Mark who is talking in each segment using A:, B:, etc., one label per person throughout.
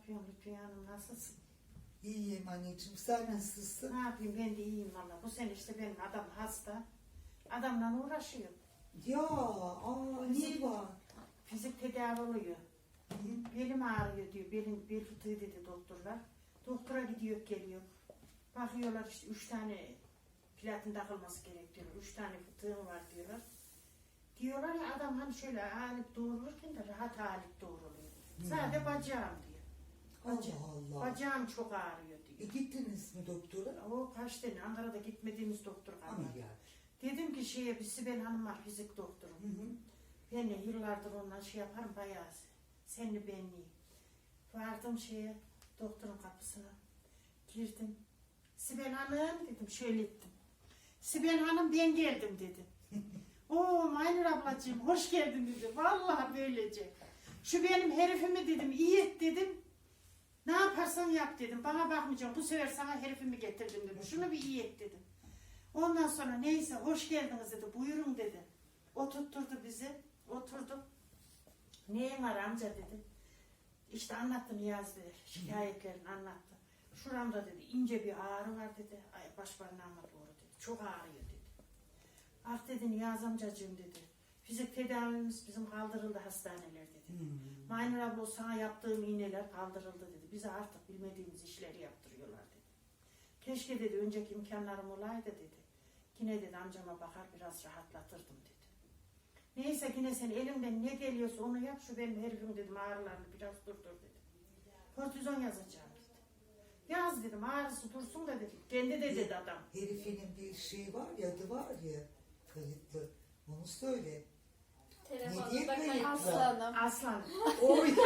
A: yapıyorsun Lütfiye Hanım, nasılsın?
B: İyiyim anneciğim, sen nasılsın?
A: Ne yapayım, ben de iyiyim valla. Bu sene işte benim adam hasta. Adamla uğraşıyor.
B: Ya, niye var?
A: Fizik tedavi oluyor. Belim ağrıyor diyor. Bel fıtığı dedi doktorlar. Doktora gidiyor geliyor. Bakıyorlar işte 3 tane platin takılması gerekiyor. 3 tane fıtığım var diyorlar. Diyorlar ya adam hani şöyle ağırlık doğururken de rahat ağırlık doğruluyor. Sadece bacağım diyor.
B: Allah Allah.
A: Bacağım çok ağrıyor diyor.
B: Gittiniz mi doktora?
A: O kaç tane Ankara'da gitmediğimiz doktor kalmadı.
B: Ameliyat.
A: Dedim ki bir Sibel Hanım var fizik doktoru. Ben de yıllardır ondan yaparım bayağı. Senli benliği. Vardım doktorun kapısına. Girdim. Sibel Hanım dedim, şöyle ettim. Sibel Hanım ben geldim dedi. Oo Maynur ablacığım hoş geldin dedi. Vallahi böylece. Şu benim herifimi dedim, iyi et dedim. Ne yaparsan yap dedim. Bana bakmayacağım. Bu sefer sana herifimi getirdim dedim. Şunu bir iyi et dedim. Ondan sonra neyse hoş geldiniz dedi. Buyurun dedi. Oturtturdu bizi. Oturduk. Neyin var amca dedi. İşte anlattı Niyazi dedi. Şikayetlerini anlattı. Şuramda dedi ince bir ağrı var dedi. Ay baş parmağıma doğru dedi. Çok ağrıyor dedi. Ah dedi Niyazi amcacığım dedi. Fizik tedavimiz bizim kaldırıldı hastaneler dedi. Maynur abla sana yaptığım iğneler kaldırıldı dedi. Bize artık bilmediğimiz işleri yaptırıyorlar dedi. Keşke dedi önceki imkanlarım olaydı dedi. Yine dedi amcama bakar biraz rahatlatırdım dedi. Neyse yine sen elimden ne geliyorsa onu yap şu benim herifim dedim ağrılarını biraz durdur dedi. Kortizon yazacağım dedi. Yaz dedim ağrısı dursun da dedi. Kendi de dedi adam.
B: Herifinin bir şey var ya, adı var ya, kayıtlı. Onu söyle. Ne diye kayıtlı?
C: Aslanım.
A: Aslan.
B: Oy.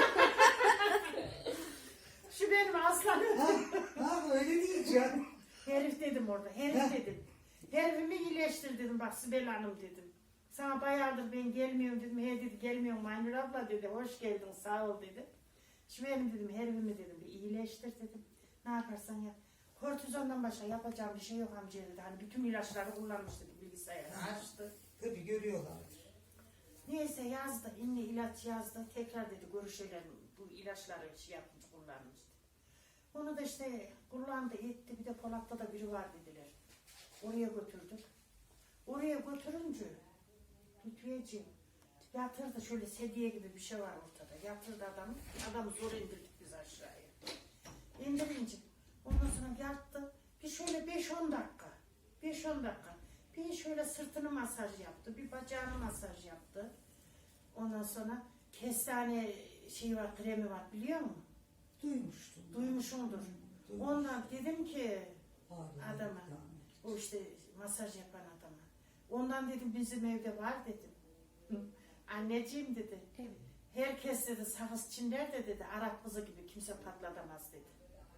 A: Şu benim aslanım.
B: Öyle diyeceğim.
A: Herif dedim orada. Herif dedim. Herifimi iyileştir dedim. Bak Sibel Hanım dedim. Sana bayağıdır ben gelmiyorum dedim. He dedi gelmiyorum Maynur abla dedi. Hoş geldin sağ ol dedi. Şu benim dedim herifimi dedim. Bir iyileştir dedim. Ne yaparsan yap. Kortizondan başka yapacağım bir şey yok amca dedi. Hani bütün ilaçları kullanmış dedi bilgisayarı açtı.
B: Tabii görüyorlardır.
A: Neyse yazdı. İnne ilaç yazdı. Tekrar dedi görüşelim. Bu ilaçları yapmış kullanmıştı. Onu da işte kullandı etti. Bir de Polat'ta da biri var dediler. Oraya götürdük. Oraya götürünce Lütfiyeciğim yatırdı şöyle sedye gibi bir şey var ortada. Yatırdı adamı. Adamı zor indirdik biz aşağıya. İndirince ondan sonra yattı. Bir şöyle 5-10 dakika. 5-10 dakika. Bir şöyle sırtını masaj yaptı. Bir bacağını masaj yaptı. Ondan sonra kestane var, kremi var biliyor musun?
B: Duymuştum.
A: Duymuşumdur. Ondan dedim ki adama, o işte masaj yapan adama. Ondan dedim bizim evde var dedim. Anneciğim dedi. Herkes dedi sakız çinler de dedi. Arap kızı gibi kimse patlatamaz dedi.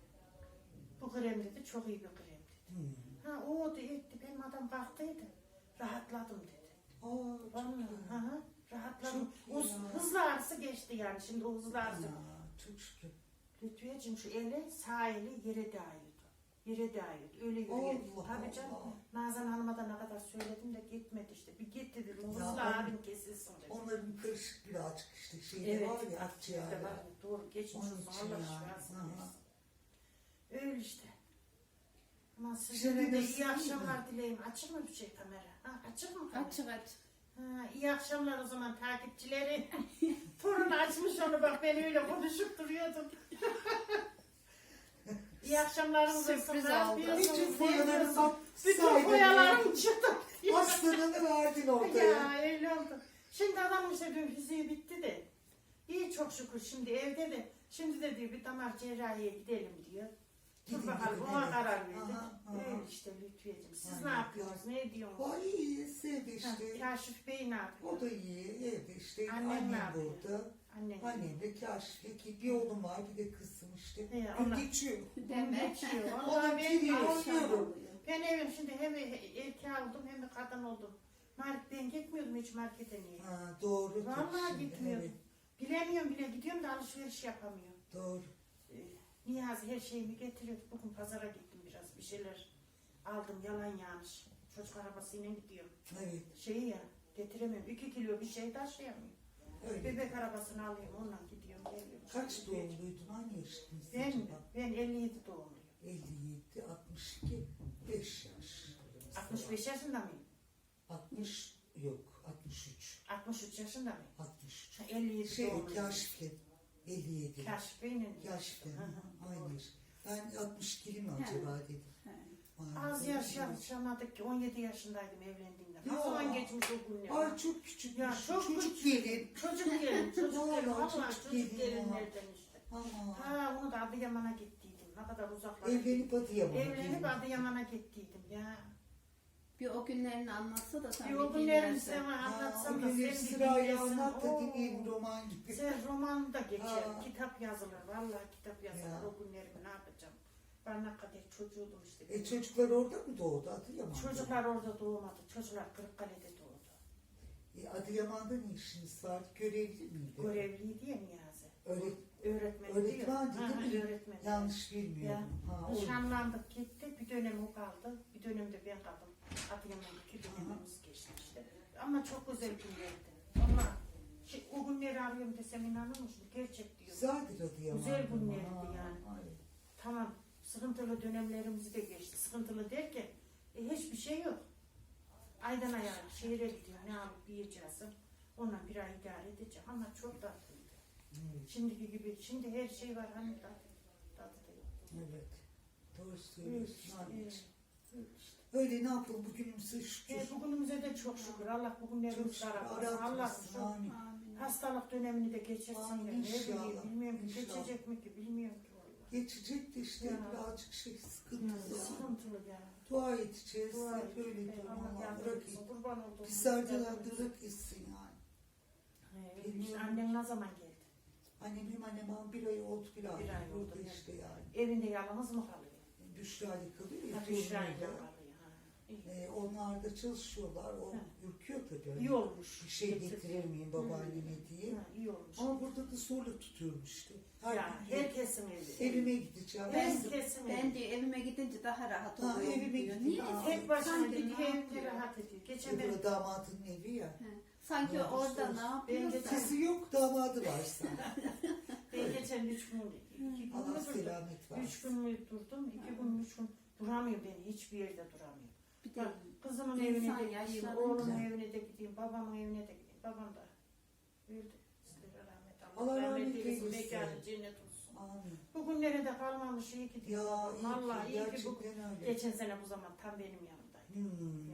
A: Bu krem dedi çok iyi bir krem dedi. O da etti benim adam kalktıydı. Rahatladım dedi. Vallahi rahatladım. O hızlı ağrısı geçti yani şimdi o hızlı ağrısı.
B: Çok şükür.
A: Lütfiyeciğim şu eli sağ eli yere değiyordu. Yere değiyordu. Öyle yürüyordu. Tabii canım. Nazan Hanım'a da ne kadar söyledim de gitmedi işte. Bir git dedim. Hızlı ağrın kesilsin dedi.
B: Onların karışık birazcık işte
A: Evet,
B: var ya akciğerde.
A: var. Doğru geçmiş olsun. Allah şifasını versin. Öyle işte. Ama size de iyi akşamlar dileyim. Açık mı bir şey kamera? Açık mı kamera?
C: Açık açık.
A: İyi akşamlar o zaman takipçileri. Torun açmış onu bak ben öyle konuşup duruyordum. İyi akşamlarınız olsun.
C: Sürpriz
A: Ne
C: oldu.
A: yapıyorsunuz?
B: Bütün foyaları
A: Bütün foyalarım çıktı.
B: Hastanını verdin ortaya.
A: Ya öyle oldu. Şimdi adamın işte dün fiziği bitti de. İyi çok şükür şimdi evde de. Şimdi de diyor bir damar cerrahiye gidelim diyor. Dur bakalım ona karar verdik. Öyle işte Lütfiyeciğim. Siz ne yapıyorsunuz? Ne ediyorsunuz?
B: Vay iyi sevdi işte.
A: Kaşif Bey ne yapıyor?
B: O da iyi evde işte.
A: Annem ne
B: Annem
A: yapıyor?
B: burada.
A: Annem.
B: Annemle Kaşif'le bir oğlum var bir de kızım işte.
A: He,
B: Gün
A: onlar-
B: geçiyor.
A: Geçiyor.
B: Ona
A: Vallahi
B: giriyor.
A: ben evim şimdi hem erkeği oldum hem de kadın oldum. Ben gitmiyordum hiç markete niye?
B: Doğru.
A: Vallahi
B: şimdi,
A: gitmiyordum.
B: evet,
A: Bilemiyorum bile gidiyorum da alışveriş yapamıyorum.
B: doğru.
A: Niyazi her şeyimi getiriyor. Bugün pazara gittim biraz bir şeyler aldım yalan yanlış. Çocuk arabasıyla gidiyorum.
B: Evet.
A: Getiremiyorum. 2 kilo bir şey taşıyamıyorum.
B: Öyle.
A: Bebek arabasını alayım, onunla gidiyorum, geliyorum.
B: Kaç doğumluydun? Hangi yaşındasın
A: Ben mi?
B: acaba?
A: Ben 57 doğumluyum.
B: 57, 62, 5 yaş.
A: 65 yaşında mıyım?
B: 60 yok, 63.
A: 63 yaşında mıyım?
B: 63.
A: 57 doğumluyum.
B: Kaşif'le 57.
A: Kaşif Bey'in.
B: Kaşif'le,
A: Hı hı,
B: aynı
A: doğru.
B: yaş. Ben 62'li mi acaba dedim.
A: Az yaşamadık ki 17 yaşındaydım evlendiğimde. Ne
B: Ya.
A: zaman geçmiş o günler?
B: Ay çok küçük.
A: Ya çok
B: çocuk
A: küçük.
B: gelin.
A: Çocuk gelin, çocuk
B: Vallahi
A: gelin.
B: çocuk
A: Allah
B: gelin
A: çocuk
B: ya.
A: gelinlerden işte.
B: Ama
A: Ha onu da Adıyaman'a gittiydim. Ne kadar uzaklara.
B: evlenip Adıyaman'a
A: Evlenip
B: gelin.
A: Adıyaman'a gittiydim ya.
C: Bir o günlerini anlatsa da sen
A: Bir o
C: bir
A: günlerimi
C: dinlersen.
A: sana anlatsam
B: O
A: da
B: günleri
A: sen bir
B: sırayla
A: dinlesin.
B: anlat da
A: Oo.
B: dinleyelim roman gibi.
A: Sen roman da geçer,
B: Ha.
A: kitap yazılır. Vallahi kitap yazılır.
B: Ya.
A: O günlerimi ne yapacağım? Ben ne kadar çocuğuydum işte.
B: Çocuklar orada mı doğdu Adıyaman'da?
A: Çocuklar orada doğmadı. Çocuklar Kırıkkale'de doğdu.
B: Adıyaman'da ne işiniz vardı? Görevli miydi?
A: Görevliydi ya Niyazi.
B: Öğret
A: Öğretmen
B: öğretmendi değil mi?
A: Öğretmen.
B: Yanlış bilmiyorum. Ha, o-
A: Nişanlandık gitti. Bir dönem o kaldı. Bir dönemde ben kaldım. Adıyaman'daki dönemimiz geçti işte. Ama çok güzel günlerdi. Ama o günleri arıyorum desem inanır mısın? Gerçek diyor.
B: Güzeldir Adıyaman.
A: Güzel günlerdi
B: Ha,
A: yani.
B: ay.
A: Tamam sıkıntılı dönemlerimizi de geçti. Sıkıntılı derken hiçbir şey yok. Aydan aya şehre gidiyor. Ne alıp yiyeceğiz. Onunla bir ay idare edeceğim. Ama çok tatlıydı.
B: Evet.
A: Şimdiki gibi. Şimdi her şey var. Hani tadı da yok.
B: Evet. Doğru
A: Evet,
B: söylüyorsun.
A: işte,
B: anneciğim.
A: evet, işte.
B: Öyle ne yapalım bugünümüze şükür.
A: Bugünümüze de çok şükür. Allah
B: Çok
A: bugünlerimizi
B: şükür.
A: aratmasın. Allah
B: Aratmasın.
A: şu
B: Amin.
C: Amin.
A: hastalık dönemini de geçirsin.
B: Amin,
A: Ne bileyim,
B: inşallah,
A: bilmiyorum ki
B: inşallah.
A: geçecek mi ki bilmiyorum ki. vallahi.
B: Geçecek de işte
A: Ya.
B: birazcık sıkıntı.
A: Ya,
B: Yani.
A: sıkıntılı ya.
B: Dua edeceğiz.
A: Dua
B: Hep
A: et.
B: öyle diyorum.
A: Allah
B: Allah
A: yardım
B: bırak
A: etsin. Kurban olduğum.
B: bizlerden bırak etsin yani.
A: İşte annem ne zaman geldi?
B: Benim annem bir ay oldu bir ay.
A: Bir ay oldu,
B: Burada
A: evet.
B: işte yani.
A: Evinde yalnız mı kalıyor?
B: Büşra'yla kalıyor ya.
A: Ha, Büşra'yla
B: torunuyla.
A: kalıyor. Ha. İyi.
B: Onlar da çalışıyorlar. O
A: Ha.
B: ürküyor tabii.
A: İyi olmuş.
B: Bir şey getirir miyim babaanneme diye.
A: Ha, iyi olmuş.
B: Ama burada da zorla tutuyorum işte. Her
A: Ya,
B: gün
A: herkesin evi.
B: evime gideceğim.
A: Herkesin
C: Ben
A: evi.
C: diyor evime gidince daha rahat
B: Ha,
C: oluyorum
B: evime
C: diyor.
B: gidince
C: Niye?
B: daha-
A: Tek başına
C: Sanki
A: gidiyor.
C: ne
A: Evde
C: yapıyor?
A: rahat ediyor. Geçen ben
B: Öbürü damadının evi ya.
C: He. Sanki
B: Ne
C: orada
B: olursa
C: ne
B: olsun.
C: yapıyorsa.
B: Kızı yok damadı varsa.
A: geçen 3 gün, 2 gün
B: Allah
A: mü durdum?
B: selamet
A: 3
B: versin.
A: gün mü durdum? 2 gün, 3 gün duramıyorum ben. Hiçbir yerde duramıyorum.
C: Bir de
A: Bak, kızımın
C: İnsan
A: evine de gideyim,
C: yaşlanınca-
A: oğlumun evine de gideyim, babamın evine de gideyim. Babam da öldü. Sizlere rahmet
B: Allah rahmet
A: eylesin.
B: eylesin.
A: Mekanı cennet olsun.
B: Amin.
A: Bugünlere de kalmamış iyi ki diyor.
B: Ya iyi
A: Vallahi
B: ki,
A: iyi ki bu.
B: gerçekten öyle.
A: Geçen sene bu zaman tam benim yanımdaydı.
B: Hmm.
A: Ya.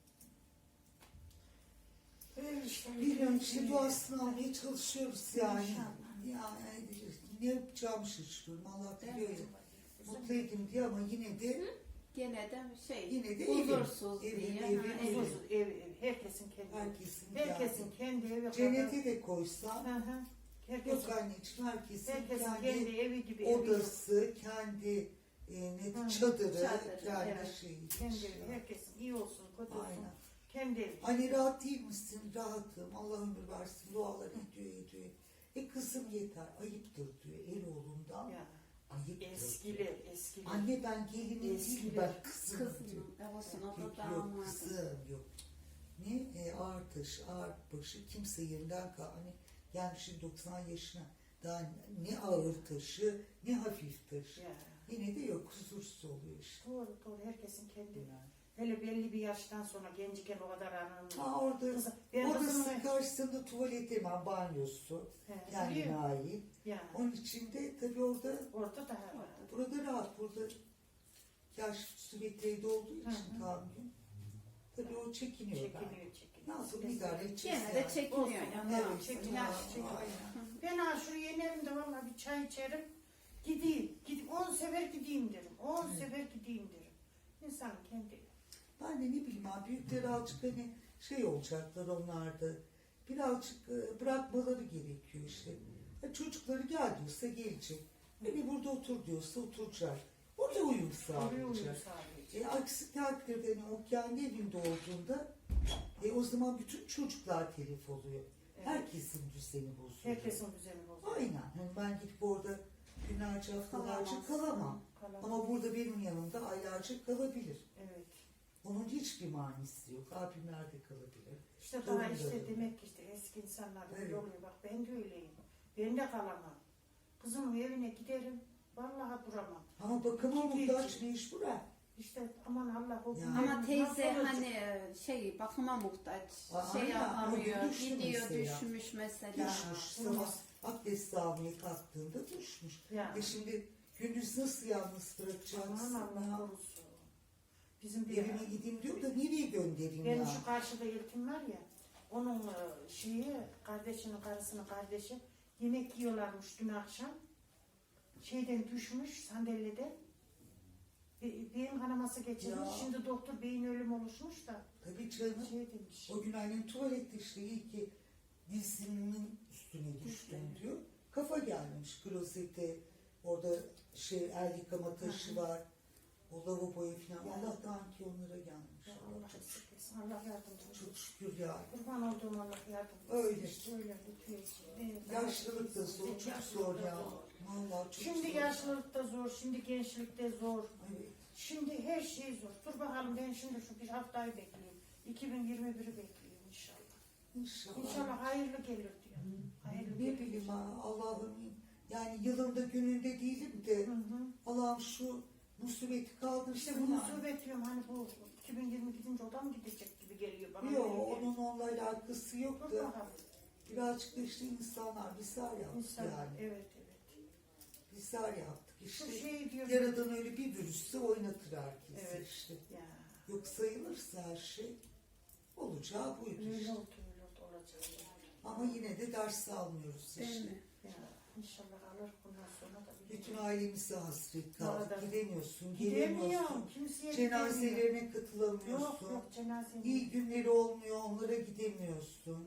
A: Öyle işte.
B: Bilmiyorum işte duasını almaya çalışıyoruz yani.
A: İnşallah.
B: Yani ne yapacağımı şaşırıyorum. Allah biliyor ya.
A: Evet.
B: Mutluyum diye ama yine de
C: gene de
B: yine de
C: huzursuz
B: evim,
C: diye.
B: evim,
C: Ha,
B: evim.
A: Huzursuz, ev. Herkesin kendi evi.
B: herkesin
A: Herkesin kendi evi.
B: cennete de koysam
A: Hı hı. Herkesin,
B: yok anneciğim herkesin
A: herkesin
B: kendi
A: kendi evi gibi. evi yok.
B: odası, kendi
A: Hı,
B: çadırı,
C: çadırı,
B: kendi
A: evet.
B: şeyi.
A: Kendi evi. Herkesin iyi olsun, kötü olsun.
B: Aynen.
A: Kendi evi.
B: Hani rahat değil misin? Rahatım. Allah ömür versin. Dualar ediyor. Kızım yeter. Ayıptır diyor. El oğlundan.
A: Ya.
B: Ayıptır diyor.
A: Eskiler.
B: Anne ben gelinim değil
A: Eskiler.
B: ben kızım diyor.
C: Kızım olsun o
B: Yok
C: da
B: yok
C: damat.
B: kızım yok. Ne ağır taşı ağır başı kimse yerinden kal. Hani gelmişim 90 yaşına daha ne ağır taşı ne hafif taşı.
A: Ya.
B: Yine de yok huzursuz oluyor işte.
A: Doğru. Herkesin kendi evi. Hele belli bir yaştan sonra genciken o kadar aranılmıyor.
B: Ha orada
A: Ben
B: odasının
A: kızımla-
B: karşısında tuvalet hemen banyosu
A: He,
B: kendine
A: biliyorum.
B: ait.
A: Ya.
B: Onun için de tabii orada
A: Orada daha rahat.
B: burada rahat burada yaş sürekli olduğu için
A: Hı hı.
B: tahammülüm. Tabii o çekiniyor.
A: Çekiniyor.
B: Nasıl idare edeceğiz
C: Gene de
B: yani?
C: çekiniyor
A: Olsun.
C: ya.
B: Evet,
C: Evet.
A: çekiniyor.
B: ha,
A: çekiniyor.
B: aynen.
A: Ben ha şuraya inerim de valla bir çay içerim. Gideyim. 10 sefer gideyim derim. 10
B: Evet.
A: sefer gideyim derim. İnsan kendi.
B: Ben de ne bileyim abi büyükler azıcık hani şey olacaklar onlarda. Birazcık bırakmaları gerekiyor işte. Çocukları gel diyorsa gelecek. Beni burada otur diyorsa oturacak. Orada uyum
A: Oraya uyum
B: sağlayacak.
A: sağlayacak.
B: Aksi takdirde hani o kendi evinde olduğunda o zaman bütün çocuklar telef oluyor.
A: Evet.
B: Herkesin düzeni bozuluyor.
A: Herkesin düzeni bozuluyor.
B: Aynen. Hani ben gidip orada günlerce haftalarca kalamam.
A: Kalamaz.
B: Ama burada benim yanımda aylarca kalabilir.
A: Evet.
B: Onun hiçbir manisi yok. Abim nerede kalabilir?
A: İşte daha
B: Doğru
A: işte
B: dedim.
A: demek ki işte eski insanlar böyle
B: Evet.
A: oluyor. Bak ben de öyleyim. Ben de kalamam. Kızımın evine giderim. Vallahi duramam.
B: Ama bakıma
A: İki
B: muhtaç
A: iki.
B: mecbur ha.
A: İşte aman Allah o
B: Yani.
A: günlerin
C: Ama
A: nasıl
C: teyze
A: olacak?
C: hani şey bakıma muhtaç.
B: Aa,
C: Şey
B: aynen,
C: yapamıyor.
B: o düştü
C: Gidiyor
B: mesela.
C: düşmüş mesela.
B: Düşmüş.
A: Olmaz.
B: Sabah abdest almaya kalktığında düşmüş.
A: Yani.
B: Şimdi gündüz nasıl yalnız bırakacaksın
A: Aman Allah
B: ya?
A: korusun. Bizim bir
B: Evine gideyim diyor da nereye göndereyim
A: benim
B: ya?
A: şu karşıda ilkim var ya, onun şeyi, kardeşinin karısının kardeşi yemek yiyorlarmış dün akşam. Şeyden düşmüş sandalyede. Beyin kanaması geçirmiş.
B: Ya.
A: Şimdi doktor beyin ölüm oluşmuş da
B: Tabii canım.
A: şey demiş.
B: O gün annem tuvalette işte iyi ki dizinin üstüne düştüm diyor. Kafa gelmiş klozete. Orada şey el yıkama taşı var. O lavaboya falan.
A: Ya.
B: Allah'tan ki onlara gelmiş.
A: Ya Allah esirgesin. Allah yardımcı olsun.
B: Çok şükür ya.
A: Kurban olduğum Allah yardımcı olsun.
B: Öyle.
A: İşte öyle lütfen.
B: Yaşlılık da zor, çok zor ya. Vallahi çok
A: Şimdi
B: zor.
A: yaşlılıkta zor, şimdi gençlikte zor.
B: Evet.
A: Şimdi her şey zor. Dur bakalım ben şimdi şu bir haftayı bekleyeyim. 2021'i bekleyeyim inşallah.
B: İnşallah.
A: İnşallah hayırlı gelir diyor. Hayırlı
B: Ne
A: gelir.
B: bileyim ha Allah'ım yani yılında gününde değilim de
A: Hı hı.
B: Allah'ım şu musibeti kaldırsın.
A: İşte bu musibet diyorum hani bu 2020 gidince o da mı gidecek gibi geliyor bana.
B: Yok
A: öyle geliyor.
B: onun onunla alakası yok
A: Dur
B: da
A: bakalım.
B: birazcık da işte insanlar bizler yaptık
A: İnsan,
B: yani.
A: evet.
B: Bizler yaptık
A: Şu
B: işte.
A: şey diyor.
B: Yaradan öyle bir virüsü oynatır herkesi
A: Evet.
B: işte.
A: Ya.
B: Yok sayılırsa her şey olacağı buydu
A: Öyle
B: işte.
A: oldu olacak.
B: Ama yine de ders almıyoruz
C: Değil
B: işte.
C: mi?
A: Ya inşallah alır bundan sonra da.
B: Bütün ailemize hasret kaldık.
A: Doğru.
B: Gidemiyorsun,
A: Gidemiyorum.
B: gelemiyorsun.
A: Kimseye gidemiyorum.
B: Cenazelerine katılamıyorsun.
A: Yok cenaze.
B: İyi günleri olmuyor, onlara gidemiyorsun.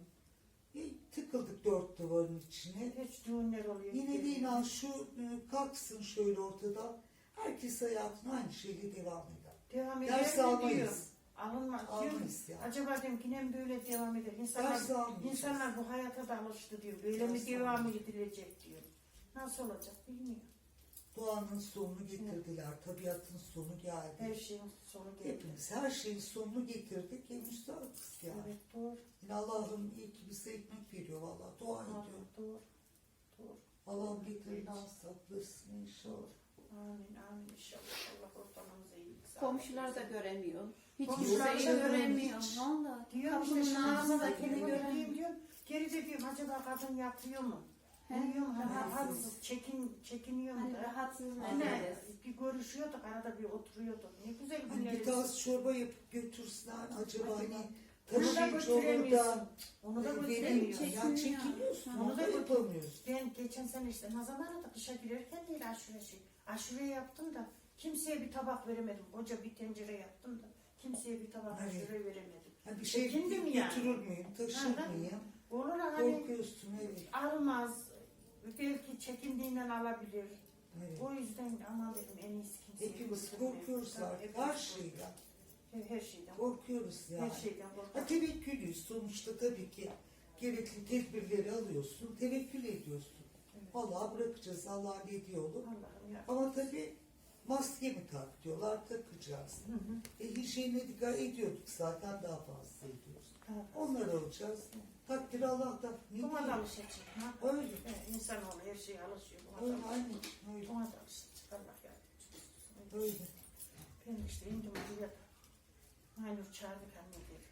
B: Tıkıldık dört duvarın içine.
A: Hiç düğünler oluyor.
B: Yine de
A: gidemiyorum.
B: inan şu kalksın şöyle ortadan. Herkes hayatına aynı şeyle devam eder.
A: Devam
B: Ders
A: eder mi diyor.
B: almayız.
A: Alınmaz.
B: Almayız yani.
A: Acaba diyorum ki ne böyle devam eder.
B: Ders
A: İnsanlar,
B: almayacağız.
A: insanlar bu hayata da alıştı diyor. Böyle mi
B: Ders
A: devam
B: almayacağız.
A: edilecek diyor. Nasıl olacak bilmiyorum.
B: Doğanın sonunu getirdiler. Tabiatın sonu
A: Her
B: geldi.
A: şeyin sonu geliyor.
B: Hepimiz her şeyin sonunu getirdik. Müstahakız yani.
A: Evet doğru.
B: Yine Allah'ım iyi ki bize ekmek veriyor valla. Dua ediyor.
A: Doğru. Doğru.
B: Allah'ım beterinden saklasın inşallah.
A: Amin inşallah. Allah ortamımıza iyilik sağlık.
C: Komşular da göremiyor. Hiç
A: Komşular
C: kimseyi
A: da
C: göremiyor.
B: hiç.
C: Valla.
A: Diyorum işte
C: Kapının
A: şansına
C: ağzındakini
A: kendimi
C: göremiyor.
A: göreyim diyorum. Geride diyorum acaba kadın yatıyor mu?
C: He?
A: Uyuyor mu?
B: Rahatsız.
A: Rahatsız. Çekiniyor mu
C: Hani
A: da?
C: rahatsız
A: Anne
C: ederiz.
A: bir görüşüyorduk arada bir oturuyorduk. Ne güzel
B: Hani bir
A: günlerimiz.
B: tas çorba yapıp götürsen acaba
A: Acaba.
B: hani
A: Onu da
B: taşıyıcı olur
A: götüremiyorsun.
B: da
A: Onu da
B: vereyim.
A: götüremiyorsun.
B: Ya
C: Çekiniyor.
B: çekiniyorsun.
C: Hı.
B: Onu da yapamıyorsun.
A: Ben geçen sene işte Nazan aradı kışa girerken değil aşure yaptım da kimseye bir tabak veremedim. Koca bir tencere yaptım da kimseye bir tabak
B: Evet.
A: aşure veremedim.
B: Ha, bir şey
A: Çekindim yani.
B: götürür müyüm, taşır
A: Hı hı.
B: mıyım?
A: Olur hani
B: Korkuyorsun evet.
A: almaz. Belki çekindiğinden alabilir.
B: evet.
A: O yüzden aman dedim en iyisi kimseye
B: Hepimiz
A: götürmeyelim.
B: korkuyoruz
A: Tabii,
B: artık
A: hepimiz
B: her şeyden.
A: Her şeyden.
B: Korkuyoruz yani.
A: Her şeyden
B: Ha,
A: korkuyoruz.
B: tevekkülüyüz sonuçta tabii ki gerekli tedbirleri alıyorsun, tevekkül ediyorsun.
A: Evet.
B: Vallahi bırakacağız Allah ne diyor olur.
A: Allah'ım ya.
B: Ama tabii maske mi tak diyorlar, takacağız.
A: Hı hı.
B: Hijyene dikkat ediyorduk zaten daha fazla ediyoruz.
A: Tamam.
B: Onlar alacağız. Takdir Allah'tan. Ne
A: Buna da
B: diyeyim?
A: alışacak. Ha?
B: Öyle.
A: Evet, insanoğlu her şeye alışıyor. Buna da
B: Öyle
A: alışacak.
B: aynen. Öyle.
A: Buna da alışacak. Allah yardımcı olsun.
B: Öyle.
A: Ben işte indim buraya da. Aynur çağırdık anne dedi.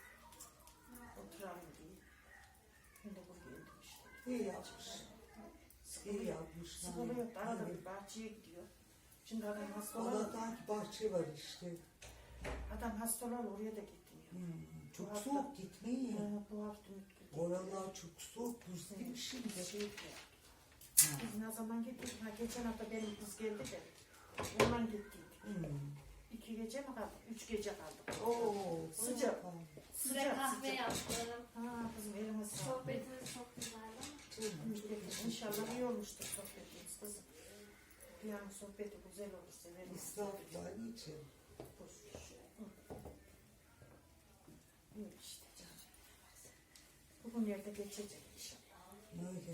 A: Oturalım diye. Ben de buraya indim işte.
B: İyi yapmış. İyi yapmış.
A: Sıkılı yok. Arada
B: Evet.
A: bir bahçeye gidiyor. Şimdi adam hasta olan,
B: Allah'tan ki bahçe var işte.
A: oraya da gitmiyor.
B: Çok
A: Bu hafta-
B: soğuk gitmeyin.
A: Bu hafta mutlu.
B: Oralar çok soğuk, buz gibi şimdi.
A: Biz ne zaman gittik? Ha, geçen hafta benim kız geldi de. Ondan gittik. 2 gece mi kaldık? 3 gece kaldık.
B: Oo,
A: Sıcak.
D: Size kahve yaptım.
A: Ha kızım elime sağlık.
D: Sohbetiniz çok güzeldi.
A: İnşallah iyi olmuştur sohbetimiz kızım. Yani sohbeti güzel olur. Severim.
B: İsraflar niçin?
A: İyi işte canım. Bugünlerde geçecek inşallah.
B: Öyle.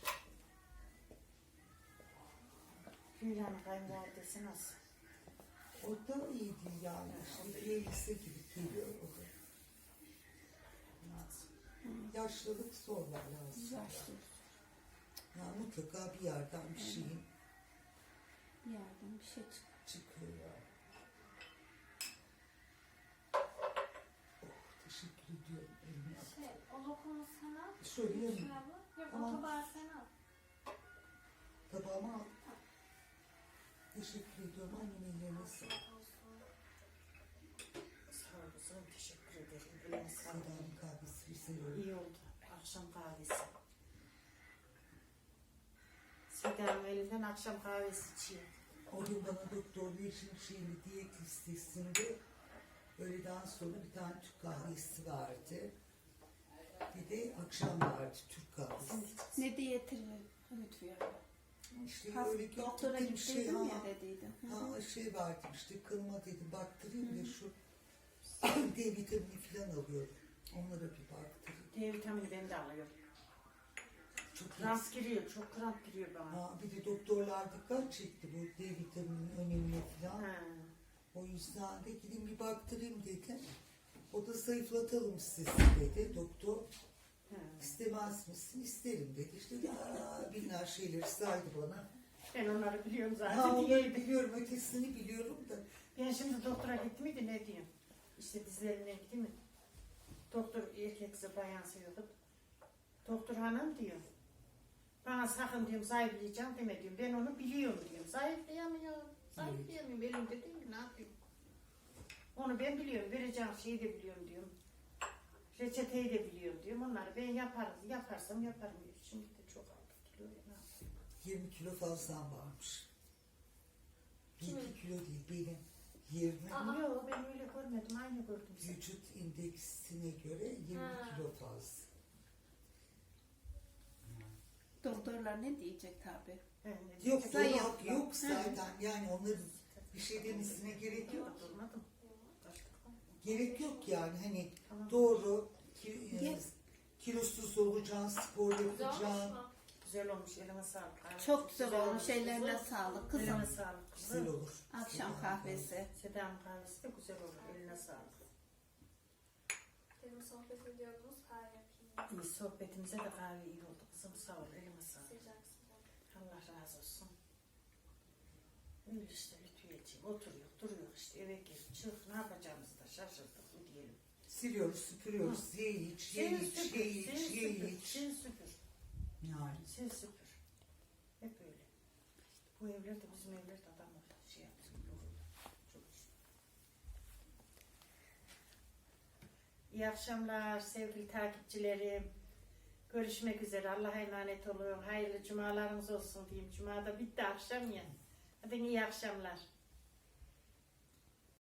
A: Hülya'nın kayınvalidesi nasıl?
B: O da iyi değil yani. İşte bir elbise gibi geliyor o da. Yaşlılık zorlar lazım.
C: Yaşlı.
B: Ya mutlaka bir yerden bir şeyin
C: Bir yerden bir şey çıkıyor.
B: çıkıyor ya. Oh, teşekkür ediyorum. Eline sağlık.
D: O lokumu sana.
B: Şöyle yanına.
D: Şuna bak. Yok
B: Tamam.
D: o tabağı sen al.
B: Tabağıma al. Teşekkür ediyorum. Annemin ellerine sağlık.
A: Sağ ol kızım, teşekkür ederim. Eline sağlık.
B: Seda'nın kahvesi bir seviyorum.
A: İyi oldu. Akşam kahvesi. Seda'nın elinden akşam kahvesi içiyor.
B: O gün bana doktor Yeşim şeyli diyet listesinde öğleden sonra bir tane Türk kahvesi verdi. Bir de akşam verdi Türk kahvesi.
C: Ne diyeti Lütfiye abla?
B: İşte
C: Has-
B: öyle
C: doktora
B: gittim şey
C: gittiydin
B: ha.
C: ya dediydin. Hı hı.
B: Ha şey verdim işte kılma dedim baktırayım da şu D vitamini falan alıyorum. Onlara bir baktırayım.
A: D vitamini ben de alıyorum.
B: Çok
A: Kramp giriyor, çok kramp giriyor bana.
B: Ha, bir de doktorlar dikkat çekti bu D vitamininin önemine falan.
A: Ha.
B: O yüzden de gidin bir baktırayım dedim. O da zayıflatalım sizi dedi doktor.
A: Ha.
B: İstemez misin? İsterim dedi. İşte binler şeyleri saydı bana.
A: Ben onları biliyorum
B: Ha
A: zaten.
B: onları biliyorum, ötesini biliyorum da.
A: Ben şimdi doktora gittim miydi ne diyeyim? İşte dizlerine gittim mi? Doktor erkekse bayan seviyordu. Doktor hanım diyor. Bana sakın diyorum zayıflayacağım deme diyorum. Ben onu biliyorum diyorum. Zayıflayamıyorum. Zayıflayamıyorum. Elimde değil mi? Ne yapayım? Onu ben biliyorum. Vereceğim şeyi de biliyorum diyorum. Reçeteyi de biliyorum diyorum. Onları ben yaparım. Yaparsam yaparım diyor. Şimdi de çok aldık kilo. Ne yapayım?
B: 20 kilo fazlam varmış. 1-2
D: Kimin?
B: kilo değil benim. 20
D: Aa.
A: Yok ben öyle görmedim. Aynı gördüm.
B: vücut indeksine göre 20
D: Ha.
B: kilo fazla.
C: Doktorlar ne diyecek tabi?
B: Yok
C: Zayıf.
B: dolap yok zaten yani onların bir şey demesine gerek yok.
A: Durmadım.
B: Gerek yok yani hani
A: Tamam.
B: doğru
C: Yes.
B: kilosuz olacaksın, spor
D: Güzel olmuş
B: yapacaksın.
D: mu?
A: Güzel olmuş. Elime sağlık. Ay,
C: Çok güzel olmuş. Ellerine
A: kızım.
C: sağlık
A: Elime
C: kızım.
A: sağlık.
B: Güzel
A: Kızım.
B: olur.
C: Akşam kahvesi.
A: Seda'nın kahvesi de güzel olur. Eline sağlık.
D: Dedim sohbet ediyordunuz. Kahve yapayım.
A: İyi sohbetimize de kahve iyi oldu. Kızım sağ ol. Elime sağlık.
D: Sıcak sıcak.
A: Allah razı olsun. Öyle işte Lütfiyeciğim. Oturuyor, duruyor işte. Eve gir, çık. Ne yapacağımızı da şaşırdık mı diyelim.
B: Siliyoruz, süpürüyoruz. Ye iç, ye iç, ye iç, ye iç.
A: Sil süpür.
B: Yani.
A: Sil süpür. Hep öyle. Bu evlerde bizim evlerde adamlar şey yaptı. Çok işte. İyi akşamlar sevgili takipçilerim. Görüşmek üzere. Allah'a emanet olun. Hayırlı cumalarınız olsun diyeyim. Cumada bitti akşam ya. Hadi iyi akşamlar.